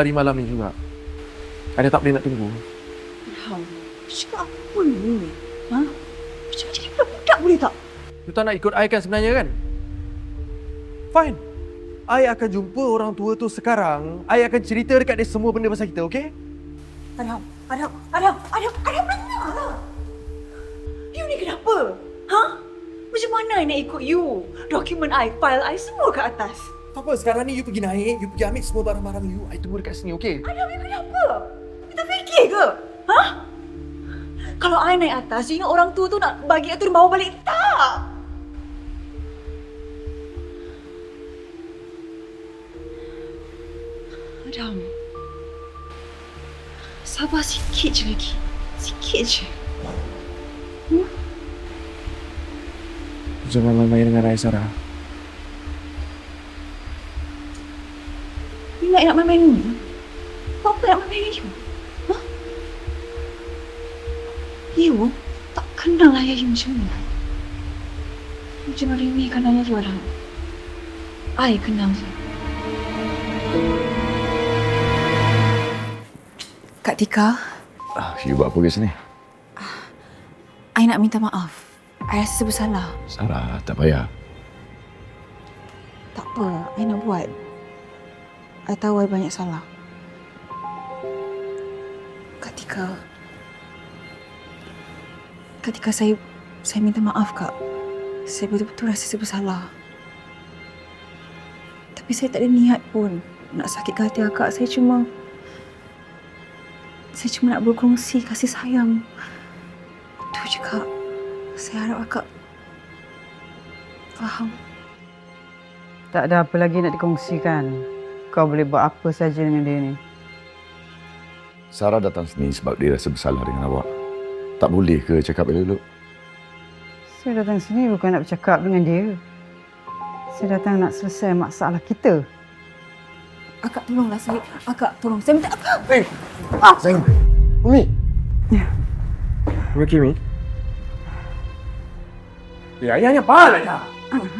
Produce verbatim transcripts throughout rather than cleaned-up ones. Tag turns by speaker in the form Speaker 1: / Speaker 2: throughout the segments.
Speaker 1: lari malam ni juga. Ada tak boleh nak tunggu.
Speaker 2: Ilham, cakap apa ni? Ha? Macam jadi budak-budak boleh tak?
Speaker 1: You tak nak ikut I kan sebenarnya kan? Fine. I akan jumpa orang tua tu sekarang. I akan cerita dekat dia semua benda pasal kita, okey?
Speaker 2: Adam, Adam, Adam, Adam, Adam, dengar. You ni kenapa? Ha? Macam mana I nak ikut you? Dokumen I, file I, semua kat atas.
Speaker 1: Tak apa, sekarang ni you pergi naik, you pergi ambil semua barang-barang you. I tunggu dekat sini, okey?
Speaker 2: Adam, you kenapa? You tak fikir ke? Ha? Kalau I naik atas, you ingat orang tua tu nak bagi I tu bawa balik? Tak! Adam, sabar sikit je lagi. Sikit je. Hmm?
Speaker 1: Jangan main-main dengan I, Sarah.
Speaker 2: You nak nak main-main ni? Apa nak main-main you? Ha? You tak kenal ayah you macam ni. You jangan remehkan ayah you, Adam. I kenal you. Kak Tika.
Speaker 3: Ah, you buat apa ke sini?
Speaker 2: I nak minta maaf. I rasa bersalah.
Speaker 3: Sarah, tak payah.
Speaker 2: Tak apa, I nak buat. I tahu I banyak salah. Kak Tika. Kak Tika, saya saya minta maaf, Kak. Saya betul-betul rasa saya bersalah. Tapi saya tak ada niat pun nak sakitkan hati Akak. Saya cuma Saya cuma nak berkongsi kasih sayang. Itu je, Kak. Saya harap Akak faham.
Speaker 4: Tak ada apa lagi nak dikongsikan. Kau boleh buat apa saja dengan dia ni.
Speaker 3: Sarah datang sini sebab dia rasa bersalah dengan awak. Tak boleh ke cakap elok-elok?
Speaker 4: Saya datang sini bukan nak bercakap dengan dia. Saya datang nak selesai masalah kita.
Speaker 2: Akak tolonglah saya. Akak tolong. Saya minta Akak.
Speaker 1: Hey! Ah! Sayang! Umi!
Speaker 4: Ya.
Speaker 1: You okay, Mi? Ya, ayahnya apa lah dah?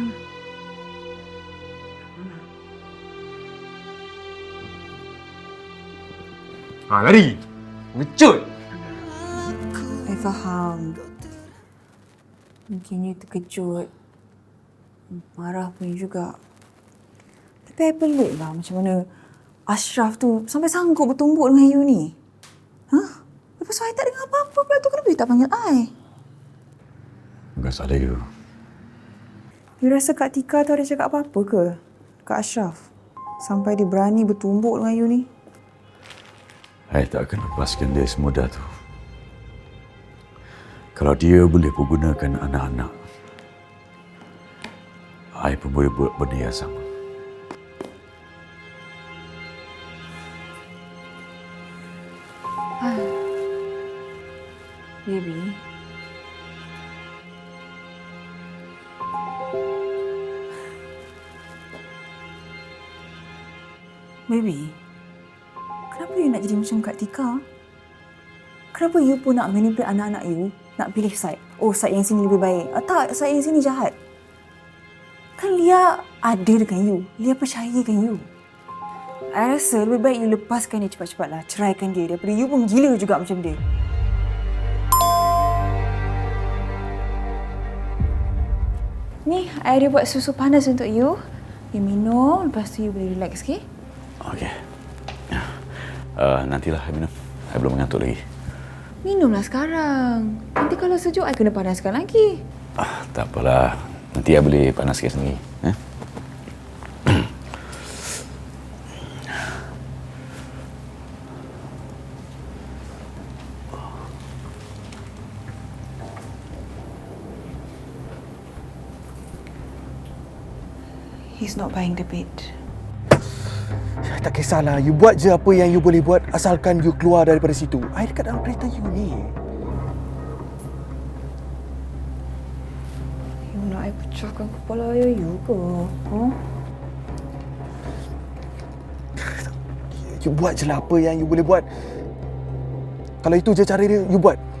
Speaker 1: Ha, lari! Mecut!
Speaker 2: Saya faham. Mungkin you terkejut. Marah pun juga. Tapi I pelik lah macam mana Ashraf tu sampai sanggup bertumbuk dengan you ni. Hah? Lepas tu I tak dengar apa-apa pula tu. Kenapa you tak panggil I?
Speaker 3: Bukan salah you.
Speaker 2: You rasa Kak Tika tu ada cakap apa-apa ke? Kak Ashraf. Sampai dia berani bertumbuk dengan you ni.
Speaker 3: Saya tak akan lepaskan dia semudah tu. Kalau dia boleh pergunakan anak-anak, saya pun boleh buat benda yang sama.
Speaker 2: Baby. Baby. Kenapa you nak jadi macam Kak Tika? Kenapa you pun nak manipulate anak-anak you? Nak pilih side? Oh, side yang sini lebih baik. Ah, tak, side yang sini jahat. Kan Lia ada dengan you. Lia percaya dengan you. I rasa lebih baik you lepaskan dia cepat-cepatlah. Ceraikan dia daripada you pun gila juga macam dia. Ni, I ada buat susu panas untuk you. You minum, lepas tu you boleh relax, okey?
Speaker 3: Okey. Uh, nantilah saya minum. Saya belum mengantuk lagi.
Speaker 2: Minumlah sekarang. Nanti kalau sejuk, I kena panaskan lagi.
Speaker 3: Ah, tak apalah. Nanti saya boleh panaskan sendiri. Eh?
Speaker 2: He's not buying the bed.
Speaker 1: Tak kisahlah, you buat je apa yang you boleh buat asalkan you keluar daripada situ. I dekat dalam kereta you ni.
Speaker 2: You nak I pecahkan kepala ayah you ke? Huh?
Speaker 1: You buat je lah apa yang you boleh buat. Kalau itu je cara dia, you buat.